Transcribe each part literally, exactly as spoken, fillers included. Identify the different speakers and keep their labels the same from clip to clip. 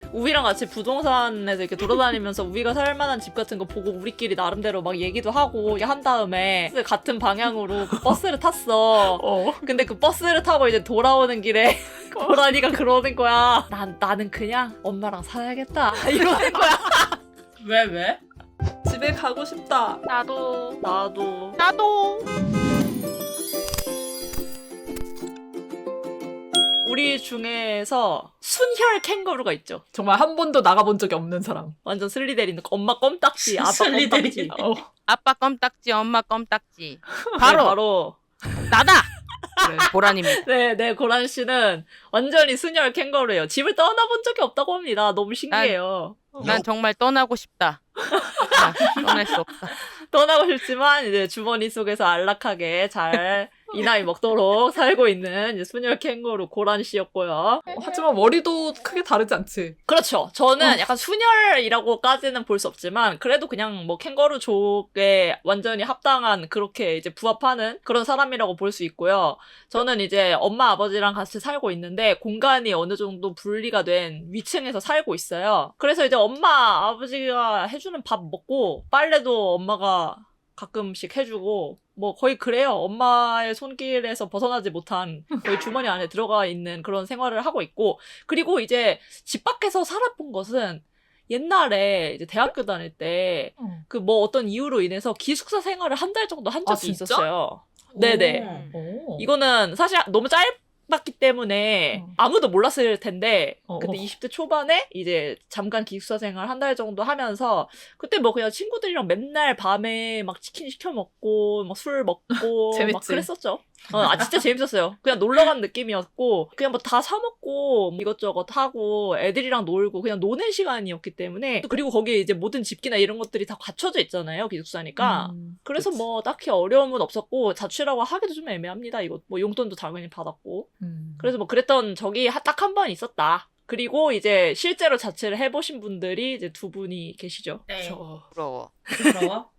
Speaker 1: 우비랑 같이 부동산에서 이렇게 돌아다니면서 우비가 살만한 집 같은 거 보고 우리끼리 나름대로 막 얘기도 하고 이렇게 한 다음에 같은 방향으로 그 버스를 탔어.
Speaker 2: 어.
Speaker 1: 근데 그 버스를 타고 이제 돌아오는 길에 고라니가 그러는 거야. 난, 나는 그냥 엄마랑 살아야겠다. 이러는 거야.
Speaker 3: 왜 왜?
Speaker 2: 집에 가고 싶다.
Speaker 4: 나도
Speaker 1: 나도.
Speaker 4: 나도
Speaker 1: 우리 중에서 순혈 캥거루가 있죠.
Speaker 2: 정말 한 번도 나가본 적이 없는 사람.
Speaker 1: 완전 슬리데리는 엄마 껌딱지, 아빠
Speaker 3: 슬리데리.
Speaker 1: 껌딱지.
Speaker 2: 어.
Speaker 4: 아빠 껌딱지 엄마 껌딱지
Speaker 1: 바로
Speaker 4: 바로
Speaker 1: 바로
Speaker 4: 나다. 그래, 보라님입니다.
Speaker 1: 네, 네, 고란 씨는 완전히 순혈 캥거루예요. 집을 떠나본 적이 없다고 합니다. 너무 신기해요.
Speaker 4: 난 정말 떠나고 싶다. 아, 떠날 수 없다.
Speaker 1: 떠나고 싶지만 이제 주머니 속에서 안락하게 잘 이 나이 먹도록 살고 있는 이제 순혈 캥거루 고란 씨였고요.
Speaker 2: 하지만 머리도 크게 다르지 않지.
Speaker 1: 그렇죠. 저는
Speaker 2: 어.
Speaker 1: 약간 순혈이라고까지는 볼 수 없지만 그래도 그냥 뭐 캥거루족에 완전히 합당한 그렇게 이제 부합하는 그런 사람이라고 볼 수 있고요. 저는 이제 엄마 아버지랑 같이 살고 있는데 공간이 어느 정도 분리가 된 위층에서 살고 있어요. 그래서 이제 엄마 아버지가 해주는 밥 먹고 빨래도 엄마가 가끔씩 해주고 뭐 거의 그래요. 엄마의 손길에서 벗어나지 못한 거의 주머니 안에 들어가 있는 그런 생활을 하고 있고 그리고 이제 집 밖에서 살아본 것은 옛날에 이제 대학교 다닐 때 그 뭐 어떤 이유로 인해서 기숙사 생활을 한 달 정도 한
Speaker 2: 아,
Speaker 1: 적이
Speaker 2: 진짜?
Speaker 1: 있었어요. 네네.
Speaker 3: 오.
Speaker 2: 오.
Speaker 1: 이거는 사실 너무 짧았기 때문에
Speaker 2: 어.
Speaker 1: 아무도 몰랐을 텐데
Speaker 2: 어.
Speaker 1: 그때 이십 대 초반에 이제 잠깐 기숙사 생활 한 달 정도 하면서 그때 뭐 그냥 친구들이랑 맨날 밤에 막 치킨 시켜 먹고 막 술 먹고
Speaker 2: 재밌지.
Speaker 1: 막 그랬었죠. 어, 아 진짜 재밌었어요. 그냥 놀러 간 느낌이었고 그냥 뭐 다 사 먹고 이것저것 하고 애들이랑 놀고 그냥 노는 시간이었기 때문에 그리고 거기에 이제 모든 집기나 이런 것들이 다 갖춰져 있잖아요. 기숙사니까.
Speaker 2: 음,
Speaker 1: 그래서
Speaker 2: 그치.
Speaker 1: 뭐 딱히 어려움은 없었고 자취라고 하기도 좀 애매합니다. 이거 뭐 용돈도 당연히 받았고.
Speaker 2: 음.
Speaker 1: 그래서 뭐 그랬던 적이 딱 한 번 있었다. 그리고 이제 실제로 자취를 해보신 분들이 이제 두 분이 계시죠.
Speaker 3: 네.
Speaker 2: 저...
Speaker 4: 부러워.
Speaker 3: 부러워?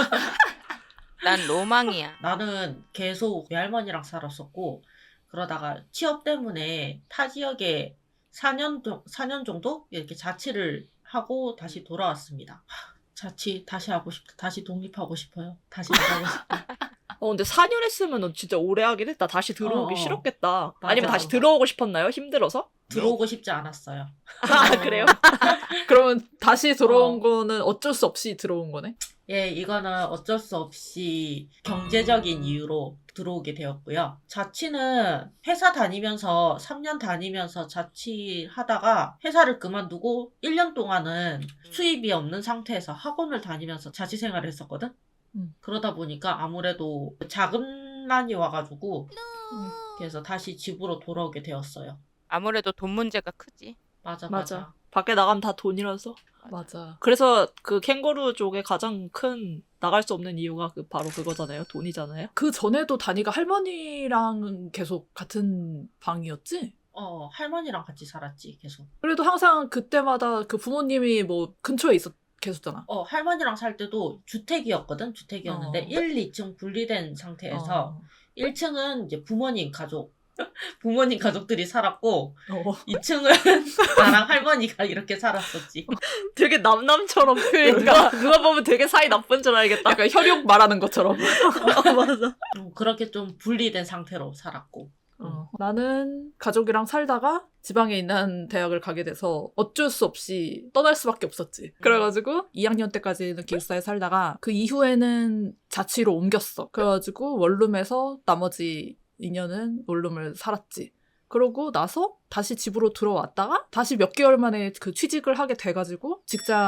Speaker 4: 난 로망이야.
Speaker 3: 나는 계속 외할머니랑 살았었고 그러다가 취업 때문에 타 지역에 사 년, 사 년 정도 이렇게 자취를 하고 다시 돌아왔습니다. 하, 자취 다시 하고 싶다. 다시 독립하고 싶어요. 다시 나가고 싶다.
Speaker 1: 어 근데 사 년 했으면 너 진짜 오래 하긴 했다. 다시 들어오기
Speaker 3: 어, 어.
Speaker 1: 싫었겠다.
Speaker 3: 맞아.
Speaker 1: 아니면 다시 들어오고 싶었나요? 힘들어서?
Speaker 3: 들어오고 싶지 않았어요.
Speaker 1: 아 그래요?
Speaker 2: 그러면 다시 들어온
Speaker 3: 어.
Speaker 2: 거는 어쩔 수 없이 들어온 거네?
Speaker 3: 예, 이거는 어쩔 수 없이 경제적인 이유로 들어오게 되었고요. 자취는 회사 다니면서 삼 년 다니면서 자취하다가 회사를 그만두고 일 년 동안은 수입이 없는 상태에서 학원을 다니면서 자취 생활을 했었거든.
Speaker 2: 음.
Speaker 3: 그러다 보니까 아무래도 자금난이 와가지고
Speaker 2: 음.
Speaker 3: 그래서 다시 집으로 돌아오게 되었어요.
Speaker 4: 아무래도 돈 문제가 크지.
Speaker 3: 맞아,
Speaker 1: 맞아.
Speaker 3: 맞아.
Speaker 1: 밖에 나가면 다 돈이라서.
Speaker 2: 맞아.
Speaker 1: 그래서 그 캥거루 쪽에 가장 큰 나갈 수 없는 이유가 그 바로 그거잖아요. 돈이잖아요.
Speaker 2: 그 전에도 다니가 할머니랑 계속 같은 방이었지?
Speaker 3: 어, 할머니랑 같이 살았지, 계속.
Speaker 2: 그래도 항상 그때마다 그 부모님이 뭐 근처에 있었, 계셨잖아.
Speaker 3: 어, 할머니랑 살 때도 주택이었거든? 주택이었는데,
Speaker 2: 어.
Speaker 3: 일, 이 층 분리된 상태에서,
Speaker 2: 어.
Speaker 3: 일 층은 이제 부모님 가족, 부모님 가족들이 살았고,
Speaker 2: 어.
Speaker 3: 이 층은 나랑 할머니가 이렇게 살았었지.
Speaker 1: 되게 남남처럼 누가, 누가 보면 되게 사이 나쁜 줄 알겠다.
Speaker 2: 약간 혈육 말하는 것처럼.
Speaker 1: 어, 맞아.
Speaker 3: 음, 그렇게 좀 분리된 상태로 살았고.
Speaker 2: 어. 나는 가족이랑 살다가 지방에 있는 대학을 가게 돼서 어쩔 수 없이 떠날 수밖에 없었지. 그래가지고 이 학년 때까지는 기숙사에 살다가 그 이후에는 자취로 옮겼어. 그래가지고 원룸에서 나머지 이 년은 원룸을 살았지. 그러고 나서 다시 집으로 들어왔다가 다시 몇 개월 만에 그 취직을 하게 돼가지고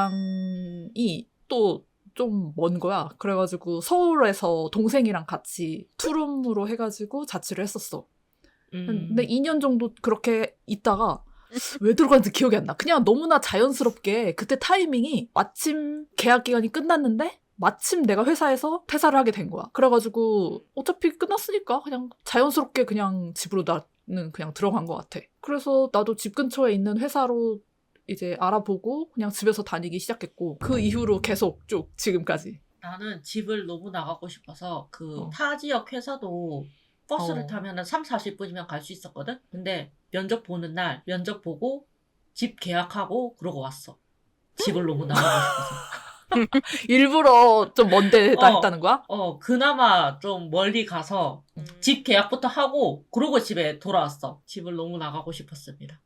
Speaker 2: 직장이 또 좀 먼 거야. 그래가지고 서울에서 동생이랑 같이 투룸으로 해가지고 자취를 했었어.
Speaker 1: 음.
Speaker 2: 근데 이 년 정도 그렇게 있다가 왜 들어갔는지 기억이 안 나. 그냥 너무나 자연스럽게 그때 타이밍이 마침 계약 기간이 끝났는데 마침 내가 회사에서 퇴사를 하게 된 거야. 그래가지고 어차피 끝났으니까 그냥 자연스럽게 그냥 집으로 나는 그냥 들어간 것 같아. 그래서 나도 집 근처에 있는 회사로 이제 알아보고 그냥 집에서 다니기 시작했고 그 이후로 계속 쭉 지금까지.
Speaker 3: 나는 집을 너무 나가고 싶어서, 그,
Speaker 2: 어.
Speaker 3: 타 지역 회사도 버스를
Speaker 2: 어.
Speaker 3: 타면은 삼, 사십 분이면 갈 수 있었거든? 근데 면접 보는 날, 면접 보고 집 계약하고 그러고 왔어. 집을 너무 나가고 싶어서.
Speaker 2: 일부러 좀 먼데다
Speaker 3: 어.
Speaker 2: 했다는 거야?
Speaker 3: 어, 그나마 좀 멀리 가서
Speaker 4: 음.
Speaker 3: 집 계약부터 하고 그러고 집에 돌아왔어. 집을 너무 나가고 싶었습니다.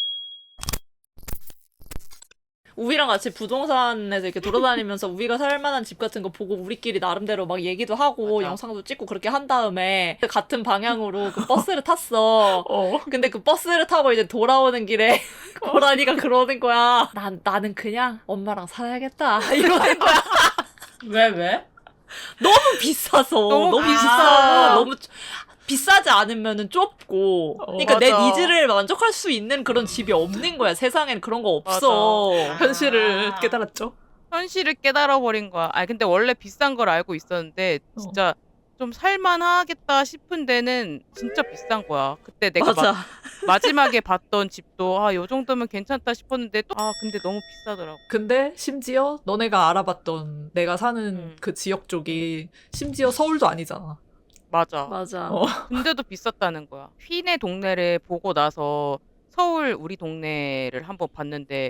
Speaker 1: 우리랑 같이 부동산에서 이렇게 돌아다니면서 우리가 살 만한 집 같은 거 보고 우리끼리 나름대로 막 얘기도 하고
Speaker 4: 맞아.
Speaker 1: 영상도 찍고 그렇게 한 다음에 같은 방향으로 그 버스를 탔어.
Speaker 2: 어.
Speaker 1: 근데 그 버스를 타고 이제 돌아오는 길에 고라니가 그러는 거야. 난, 나는 그냥 엄마랑 살아야겠다. 이러는 거야.
Speaker 3: 왜, 왜?
Speaker 1: 너무 비싸서.
Speaker 4: 너무
Speaker 1: 너무,
Speaker 3: 비싸.
Speaker 1: 비싸. 너무 좁- 비싸지 않으면은 좁고.
Speaker 2: 어,
Speaker 1: 그러니까 내
Speaker 4: 맞아.
Speaker 1: 니즈를 만족할 수 있는 그런 집이 없는 거야. 세상엔 그런 거 없어.
Speaker 2: 현실을
Speaker 3: 아.
Speaker 2: 깨달았죠.
Speaker 4: 현실을 깨달아버린 거야. 아 근데 원래 비싼 걸 알고 있었는데 진짜 좀 살만하겠다 싶은 데는 진짜 비싼 거야. 그때 내가 마,
Speaker 1: 맞아.
Speaker 4: 마지막에 봤던 집도 아 요 정도면 괜찮다 싶었는데 또 아 근데 너무 비싸더라고.
Speaker 2: 근데 심지어 너네가 알아봤던 내가 사는
Speaker 4: 음.
Speaker 2: 그 지역 쪽이 심지어 서울도 아니잖아.
Speaker 4: 맞아.
Speaker 1: 맞아.
Speaker 2: 어.
Speaker 4: 근데도 비쌌다는 거야. 휘네 동네를 보고 나서 서울 우리 동네를 한번 봤는데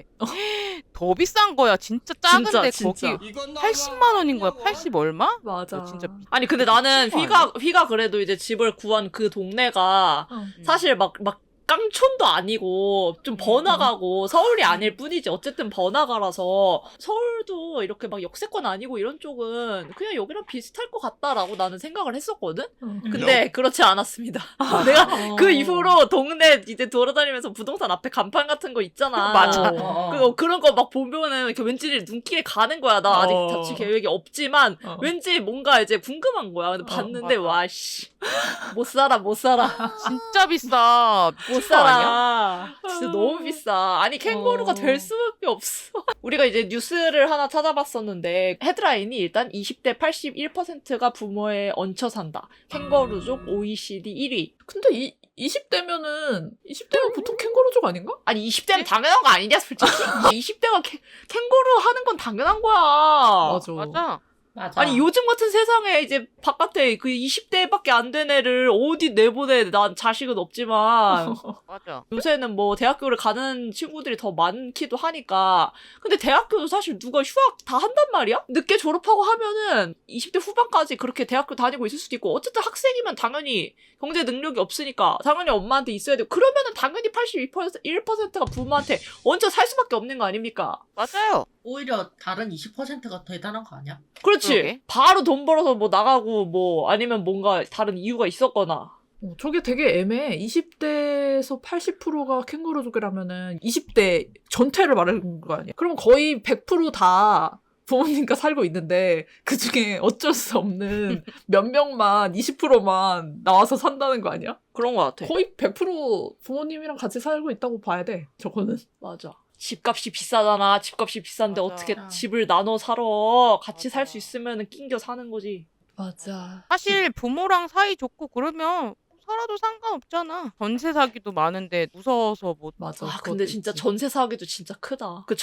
Speaker 4: 더 비싼 거야. 진짜 작은데
Speaker 1: 진짜,
Speaker 4: 거기 팔십만 원인 거야. 팔십 얼마?
Speaker 2: 맞아.
Speaker 4: 어, 진짜
Speaker 1: 아니 근데 나는
Speaker 4: 미친 거
Speaker 1: 휘가 휘가 그래도 이제 집을 구한 그 동네가
Speaker 2: 어.
Speaker 4: 음.
Speaker 1: 사실 막 막 깡촌도 아니고 좀 번화가고 서울이 아닐 뿐이지 어쨌든 번화가라서 서울도 이렇게 막 역세권 아니고 이런 쪽은 그냥 여기랑 비슷할 것 같다라고 나는 생각을 했었거든.
Speaker 2: 어.
Speaker 1: 근데 그렇지 않았습니다. 내가 그 이후로 동네 이제 돌아다니면서 부동산 앞에 간판 같은 거 있잖아.
Speaker 4: 맞아.
Speaker 3: 어, 어.
Speaker 1: 그, 그런 거 막 보면은 이렇게 왠지 눈길에 가는 거야. 나 아직
Speaker 2: 어.
Speaker 1: 자취 계획이 없지만
Speaker 2: 어.
Speaker 1: 왠지 뭔가 이제 궁금한 거야. 근데
Speaker 2: 어,
Speaker 1: 봤는데
Speaker 4: 맞아.
Speaker 1: 와 씨. 못 살아, 못 살아.
Speaker 4: 진짜 비싸.
Speaker 1: 못
Speaker 4: 미친 거 아니야?
Speaker 1: 살아. 진짜 너무 비싸. 아니 캥거루가
Speaker 2: 어.
Speaker 1: 될 수밖에 없어. 우리가 이제 뉴스를 하나 찾아봤었는데 헤드라인이 일단 이십 대 팔십일 퍼센트가 부모에 얹혀 산다. 캥거루족 오이시디 일 위.
Speaker 2: 근데 이 이십 대면은 이십 대면 보통 캥거루족 아닌가?
Speaker 1: 아니 이십 대면 당연한 거 아니냐 솔직히. 이십 대가 캥, 캥거루 하는 건 당연한 거야.
Speaker 2: 맞아.
Speaker 4: 맞아.
Speaker 3: 맞아.
Speaker 1: 아니 요즘 같은 세상에 이제 바깥에 그 이십 대밖에 안 된 애를 어디 내보내. 난 자식은 없지만
Speaker 4: 맞아.
Speaker 1: 요새는 뭐 대학교를 가는 친구들이 더 많기도 하니까. 근데 대학교도 사실 누가 휴학 다 한단 말이야? 늦게 졸업하고 하면은 이십 대 후반까지 그렇게 대학교 다니고 있을 수도 있고 어쨌든 학생이면 당연히 경제 능력이 없으니까 당연히 엄마한테 있어야 되고 그러면은 당연히 팔십일 퍼센트가 부모한테 얹혀 살 수밖에 없는 거 아닙니까?
Speaker 4: 맞아요.
Speaker 3: 오히려 다른 이십 퍼센트가 대단한 거 아니야?
Speaker 1: 그렇지.
Speaker 4: 그러게.
Speaker 1: 바로 돈 벌어서 뭐 나가고 뭐 아니면 뭔가 다른 이유가 있었거나.
Speaker 2: 어, 저게 되게 애매해. 이십 대에서 팔십 퍼센트가 캥거루족이라면은 이십 대 전체를 말하는 거 아니야? 그럼 거의 백 퍼센트다 부모님과 살고 있는데 그 중에 어쩔 수 없는 몇 명만 이십 퍼센트만 나와서 산다는 거 아니야?
Speaker 1: 그런 거 같아.
Speaker 2: 거의 백 퍼센트 부모님이랑 같이 살고 있다고 봐야 돼. 저거는.
Speaker 1: 맞아. 집값이 비싸잖아. 집값이 비싼데
Speaker 4: 맞아.
Speaker 1: 어떻게
Speaker 3: 아.
Speaker 1: 집을 나눠 살아. 같이
Speaker 4: 맞아.
Speaker 1: 살 수 있으면 낑겨 사는 거지.
Speaker 2: 맞아.
Speaker 4: 사실 부모랑 사이 좋고 그러면 살아도 상관없잖아. 전세 사기도 많은데 무서워서 못.
Speaker 2: 맞아.
Speaker 1: 아,
Speaker 2: 그것도
Speaker 1: 근데 진짜
Speaker 2: 있지.
Speaker 1: 전세 사기도 진짜 크다. 그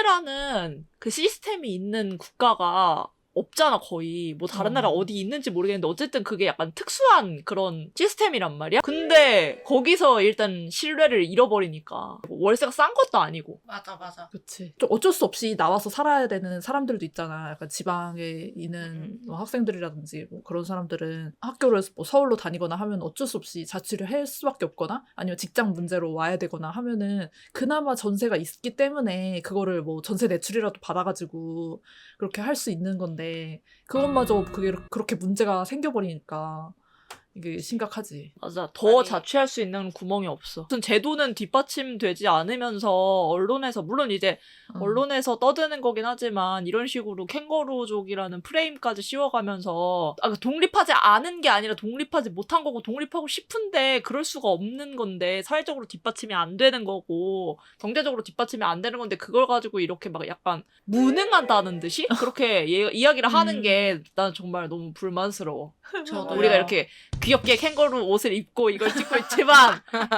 Speaker 1: 전세라는 그 시스템이 있는 국가가 없잖아, 거의. 뭐 다른
Speaker 2: 음.
Speaker 1: 나라 어디 있는지 모르겠는데 어쨌든 그게 약간 특수한 그런 시스템이란 말이야. 근데 거기서 일단 신뢰를 잃어버리니까 월세가 싼 것도 아니고.
Speaker 3: 맞아, 맞아.
Speaker 2: 그치. 좀 어쩔 수 없이 나와서 살아야 되는 사람들도 있잖아. 약간 지방에 있는
Speaker 4: 음.
Speaker 2: 뭐 학생들이라든지 뭐 그런 사람들은 학교를 뭐 서울로 다니거나 하면 어쩔 수 없이 자취를 할 수밖에 없거나 아니면 직장 문제로 와야 되거나 하면은 그나마 전세가 있기 때문에 그거를 뭐 전세 대출이라도 받아가지고 그렇게 할 수 있는 건데 그것마저 그게 그렇게 문제가 생겨버리니까 이게 심각하지.
Speaker 1: 맞아. 더
Speaker 4: 아니.
Speaker 1: 자취할 수 있는 구멍이 없어. 무슨 제도는 뒷받침되지 않으면서 언론에서 물론 이제
Speaker 2: 음.
Speaker 1: 언론에서 떠드는 거긴 하지만 이런 식으로 캥거루족이라는 프레임까지 씌워가면서 아, 독립하지 않은 게 아니라 독립하지 못한 거고 독립하고 싶은데 그럴 수가 없는 건데 사회적으로 뒷받침이 안 되는 거고 경제적으로 뒷받침이 안 되는 건데 그걸 가지고 이렇게 막 약간 무능하다는 듯이 그렇게 예, 이야기를 하는
Speaker 2: 음.
Speaker 1: 게 난 정말 너무 불만스러워.
Speaker 3: 저도요.
Speaker 1: 우리가 이렇게 귀엽게 캥거루 옷을 입고 이걸 찍고 있지만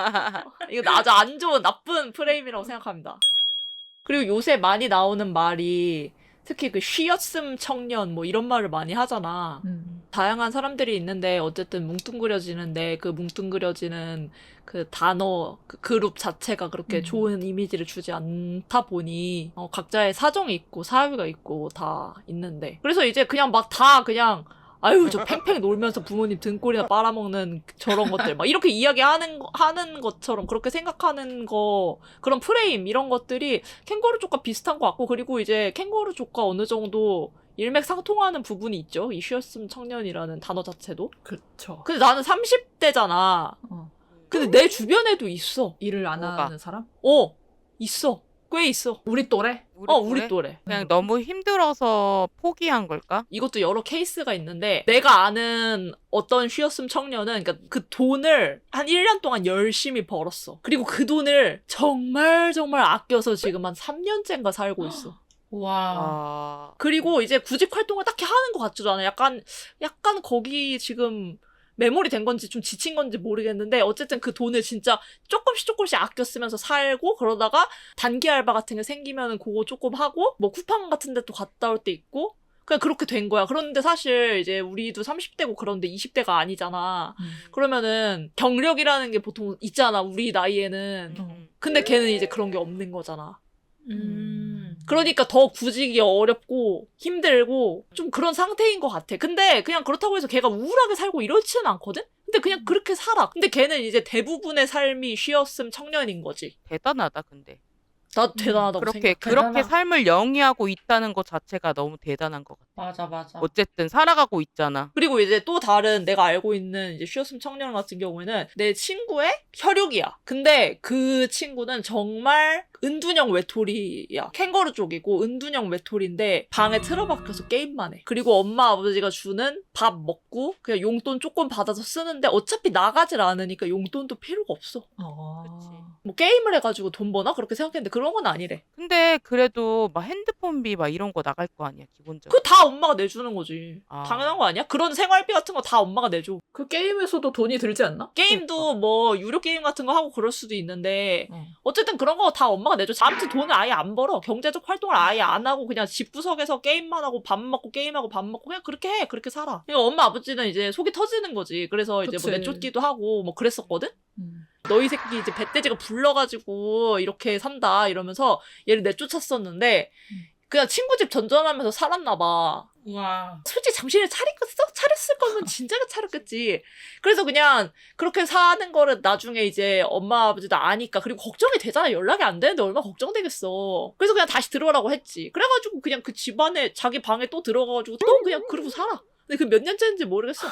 Speaker 1: 이거 아주 안 좋은 나쁜 프레임이라고 생각합니다. 그리고 요새 많이 나오는 말이 특히 그 쉬었음 청년 뭐 이런 말을 많이 하잖아.
Speaker 2: 음.
Speaker 1: 다양한 사람들이 있는데 어쨌든 뭉뚱그려지는데 그 뭉뚱그려지는 그 단어 그 그룹 자체가 그렇게
Speaker 2: 음.
Speaker 1: 좋은 이미지를 주지 않다 보니 어, 각자의 사정이 있고 사유가 있고 다 있는데 그래서 이제 그냥 막 다 그냥 아유 저 팽팽 놀면서 부모님 등골이나 빨아먹는 저런 것들 막 이렇게 이야기하는 거- 하는 것처럼 그렇게 생각하는 거 그런 프레임 이런 것들이 캥거루족과 비슷한 것 같고 그리고 이제 캥거루족과 어느 정도 일맥상통하는 부분이 있죠. 이 쉬었음 청년이라는 단어 자체도.
Speaker 2: 그쵸.
Speaker 1: 근데 나는 삼십 대잖아.
Speaker 2: 어.
Speaker 1: 근데 내 주변에도 있어.
Speaker 2: 일을 안
Speaker 4: 뭐가?
Speaker 2: 하는 사람?
Speaker 1: 어, 있어. 꽤 있어.
Speaker 2: 우리 또래?
Speaker 4: 우리
Speaker 1: 어,
Speaker 4: 또래?
Speaker 1: 우리 또래.
Speaker 4: 그냥
Speaker 2: 음.
Speaker 4: 너무 힘들어서 포기한 걸까?
Speaker 1: 이것도 여러 케이스가 있는데 내가 아는 어떤 쉬었음 청년은 그러니까 그 돈을 한 일 년 동안 열심히 벌었어. 그리고 그 돈을 정말 정말 아껴서 지금 한 삼 년째인가 살고 있어.
Speaker 3: 와.
Speaker 4: 아,
Speaker 1: 그리고 이제 구직 활동을 딱히 하는 것 같지도 않아. 약간 약간 거기 지금 매몰이 된 건지 좀 지친 건지 모르겠는데 어쨌든 그 돈을 진짜 조금씩 조금씩 아껴 쓰면서 살고 그러다가 단기 알바 같은 게 생기면은 그거 조금 하고 뭐 쿠팡 같은 데 또 갔다 올 때 있고 그냥 그렇게 된 거야. 그런데 사실 이제 우리도 삼십 대고 그런데 이십 대가 아니잖아.
Speaker 2: 음.
Speaker 1: 그러면은 경력이라는 게 보통 있잖아. 우리 나이에는.
Speaker 4: 음.
Speaker 1: 근데 걔는 이제 그런 게 없는 거잖아.
Speaker 3: 음.
Speaker 1: 그러니까 더 구직이 어렵고 힘들고 좀 그런 상태인 것 같아. 근데 그냥 그렇다고 해서 걔가 우울하게 살고 이렇지는 않거든? 근데 그냥 그렇게 살아. 근데 걔는 이제 대부분의 삶이 쉬었음 청년인 거지.
Speaker 4: 대단하다 근데.
Speaker 1: 나 대단하다고
Speaker 4: 그렇게
Speaker 1: 생각해.
Speaker 4: 그렇게
Speaker 3: 대단하-
Speaker 4: 삶을 영위하고 있다는 것 자체가 너무 대단한 것 같아.
Speaker 3: 맞아, 맞아.
Speaker 4: 어쨌든 살아가고 있잖아.
Speaker 1: 그리고 이제 또 다른 내가 알고 있는 이제 쉬었음 청년 같은 경우에는 내 친구의 혈육이야. 근데 그 친구는 정말 은둔형 외톨이야. 캥거루 쪽이고 은둔형 외톨인데 방에 틀어박혀서 게임만 해. 그리고 엄마 아버지가 주는 밥 먹고 그냥 용돈 조금 받아서 쓰는데 어차피 나가질 않으니까 용돈도 필요가 없어.
Speaker 2: 어.
Speaker 4: 그치.
Speaker 1: 뭐 게임을 해가지고 돈 버나? 그렇게 생각했는데 그런 건 아니래.
Speaker 4: 근데 그래도 막 핸드폰비 막 이런 거 나갈 거 아니야 기본적으로.
Speaker 1: 그거 다 엄마가 내주는 거지.
Speaker 4: 아.
Speaker 1: 당연한 거 아니야? 그런 생활비 같은 거 다 엄마가 내줘.
Speaker 2: 그 게임에서도 돈이 들지 않나?
Speaker 1: 게임도 뭐 유료 게임 같은 거 하고 그럴 수도 있는데
Speaker 2: 어.
Speaker 1: 어쨌든 그런 거 다 엄마가 내줘. 아무튼 돈을 아예 안 벌어. 경제적 활동을 아예 안 하고 그냥 집구석에서 게임만 하고 밥 먹고 게임하고 밥 먹고 그냥 그렇게 해. 그렇게 살아. 그러니까 엄마 아버지는 이제 속이 터지는 거지. 그래서 이제 뭐
Speaker 2: 그치.
Speaker 1: 내쫓기도 하고 뭐 그랬었거든.
Speaker 2: 음.
Speaker 1: 너희 새끼 이제 배돼지가 불러가지고 이렇게 산다 이러면서 얘를 내쫓았었는데 그냥 친구 집 전전하면서 살았나 봐.
Speaker 3: 와.
Speaker 1: 솔직히 정신을 차리겠어? 차렸을 거면 진작에 차렸겠지. 그래서 그냥 그렇게 사는 거를 나중에 이제 엄마 아버지도 아니까 그리고 걱정이 되잖아. 연락이 안 되는데 얼마나 걱정되겠어. 그래서 그냥 다시 들어오라고 했지. 그래가지고 그냥 그 집안에 자기 방에 또 들어가가지고 또 그냥 그러고 살아. 근데 그 몇 년째인지 모르겠어.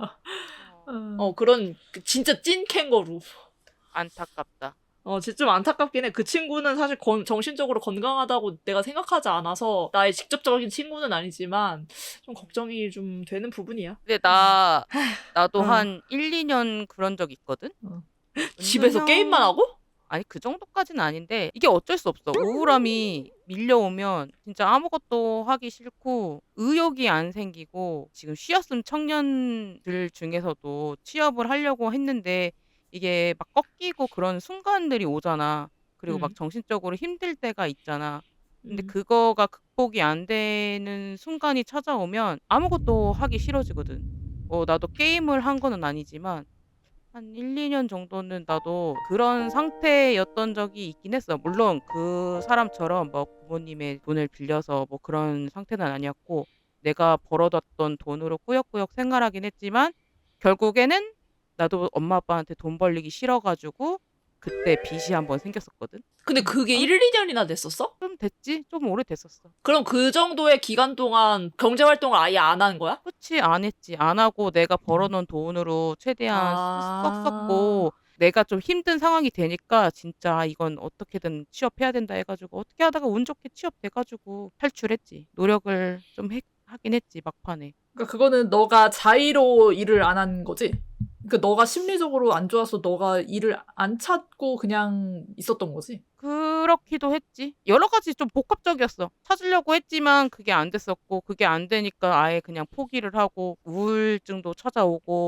Speaker 2: 음.
Speaker 1: 어 그런 그 진짜 찐 캥거루.
Speaker 4: 안타깝다.
Speaker 1: 어, 진짜 좀 안타깝긴 해. 그 친구는 사실 건- 정신적으로 건강하다고 내가 생각하지 않아서 나의 직접적인 친구는 아니지만 좀 걱정이 좀 되는 부분이야.
Speaker 4: 근데 나 나도
Speaker 1: 어.
Speaker 4: 한 일, 이 년 그런 적 있거든.
Speaker 2: 어.
Speaker 1: 집에서
Speaker 4: 은둔형-
Speaker 1: 게임만 하고?
Speaker 4: 아니 그 정도까지는 아닌데 이게 어쩔 수 없어. 우울함이 밀려오면 진짜 아무것도 하기 싫고 의욕이 안 생기고 지금 쉬었음 청년들 중에서도 취업을 하려고 했는데 이게 막 꺾이고 그런 순간들이 오잖아. 그리고 막
Speaker 1: 음.
Speaker 4: 정신적으로 힘들 때가 있잖아. 근데
Speaker 1: 음.
Speaker 4: 그거가 극복이 안 되는 순간이 찾아오면 아무것도 하기 싫어지거든. 어, 나도 게임을 한 거는 아니지만 한 일, 이 년 정도는 나도 그런 상태였던 적이 있긴 했어. 물론 그 사람처럼 뭐 부모님의 돈을 빌려서 뭐 그런 상태는 아니었고 내가 벌어뒀던 돈으로 꾸역꾸역 생활하긴 했지만 결국에는 나도 엄마 아빠한테 돈 벌리기 싫어가지고 그때 빚이 한번 생겼었거든.
Speaker 1: 근데 그게
Speaker 4: 어?
Speaker 1: 일, 이 년이나 됐었어?
Speaker 4: 좀 됐지? 좀 오래됐었어.
Speaker 1: 그럼 그 정도의 기간 동안 경제활동을 아예 안 한 거야?
Speaker 4: 그치, 안 했지. 안 하고 내가 벌어놓은 돈으로 최대한
Speaker 1: 아.
Speaker 4: 썼었고 내가 좀 힘든 상황이 되니까 진짜 이건 어떻게든 취업해야 된다 해가지고 어떻게 하다가 운 좋게 취업돼가지고 탈출했지. 노력을 좀 해- 하긴 했지 막판에.
Speaker 2: 그러니까 그거는 너가 자의로 일을 안 한 거지? 그러니까 너가 심리적으로 안 좋아서 너가 일을 안 찾고 그냥 있었던 거지?
Speaker 4: 그렇기도 했지. 여러 가지 좀 복합적이었어. 찾으려고 했지만 그게 안 됐었고 그게 안 되니까 아예 그냥 포기를 하고 우울증도 찾아오고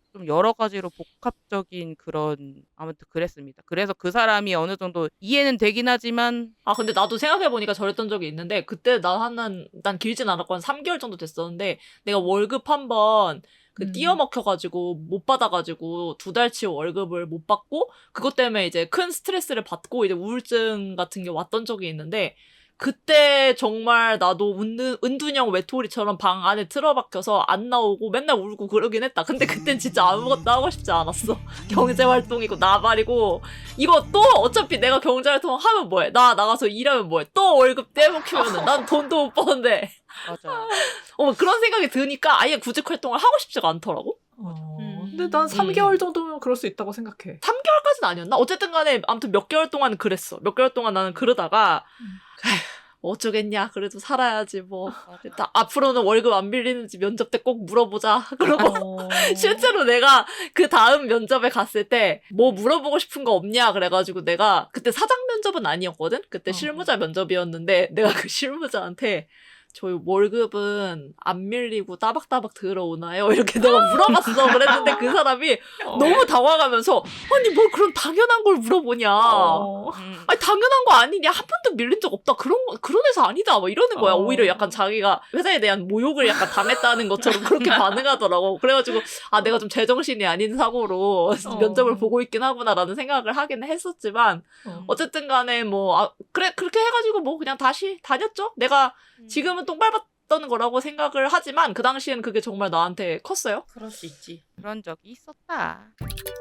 Speaker 4: 좀 여러 가지로 복합적인 그런 아무튼 그랬습니다. 그래서 그 사람이 어느 정도 이해는 되긴 하지만
Speaker 1: 아, 근데 나도 생각해보니까 저랬던 적이 있는데, 그때 나 한, 난 길진 않았고 한 삼 개월 정도 됐었는데, 내가 월급 한 번, 그,
Speaker 2: 음.
Speaker 1: 띄어먹혀가지고, 못 받아가지고, 두 달치 월급을 못 받고, 그것 때문에 이제 큰 스트레스를 받고, 이제 우울증 같은 게 왔던 적이 있는데, 그때 정말 나도 은둔, 은둔형 외톨이처럼 방 안에 틀어박혀서 안 나오고 맨날 울고 그러긴 했다. 근데 그땐 진짜 아무것도 하고 싶지 않았어. 경제활동이고 나발이고 이거 또 어차피 내가 경제활동 하면 뭐해? 나 나가서 일하면 뭐해? 또 월급 떼먹히면은 난 돈도 못 버는데.
Speaker 4: 맞아.
Speaker 1: 어, 그런 생각이 드니까 아예 구직 활동을 하고 싶지가 않더라고.
Speaker 2: 어,
Speaker 3: 음.
Speaker 2: 근데 난 삼
Speaker 1: 음.
Speaker 2: 개월 정도면 그럴 수 있다고 생각해.
Speaker 1: 삼 개월까지는 아니었나? 어쨌든 간에 아무튼 몇 개월 동안 그랬어. 몇 개월 동안 나는 그러다가
Speaker 2: 음.
Speaker 1: 에휴, 어쩌겠냐. 그래도 살아야지 뭐. 일단 앞으로는 월급 안 빌리는지 면접 때 꼭 물어보자. 그러고
Speaker 2: 어.
Speaker 1: 실제로 내가 그 다음 면접에 갔을 때 뭐 물어보고 싶은 거 없냐 그래가지고 내가 그때 사장 면접은 아니었거든? 그때
Speaker 2: 어.
Speaker 1: 실무자 면접이었는데 내가 그 실무자한테 저희 월급은 안 밀리고 따박따박 들어오나요? 이렇게 내가 물어봤어. 그랬는데 그 사람이 너무 당황하면서 아니 뭘 그런 당연한 걸 물어보냐.
Speaker 2: 어.
Speaker 4: 음.
Speaker 1: 아니 당연한 거 아니냐. 한 번도 밀린 적 없다. 그런 거- 그런 회사 아니다. 막 이러는 거야.
Speaker 2: 어.
Speaker 1: 오히려 약간 자기가 회사에 대한 모욕을 약간 당했다는 것처럼 그렇게 반응하더라고. 그래가지고 아 내가 좀 제정신이 아닌 사고로
Speaker 2: 어.
Speaker 1: 면접을 보고 있긴 하구나라는 생각을 하긴 했었지만
Speaker 2: 어.
Speaker 1: 어쨌든 간에 뭐 아, 그래 그렇게 해가지고 뭐 그냥 다시 다녔죠. 내가 지금은 똥 밟았던 거라고 생각을 하지만 그 당시엔 그게 정말 나한테 컸어요.
Speaker 3: 그럴 수 있지.
Speaker 4: 그런 적이 있었다.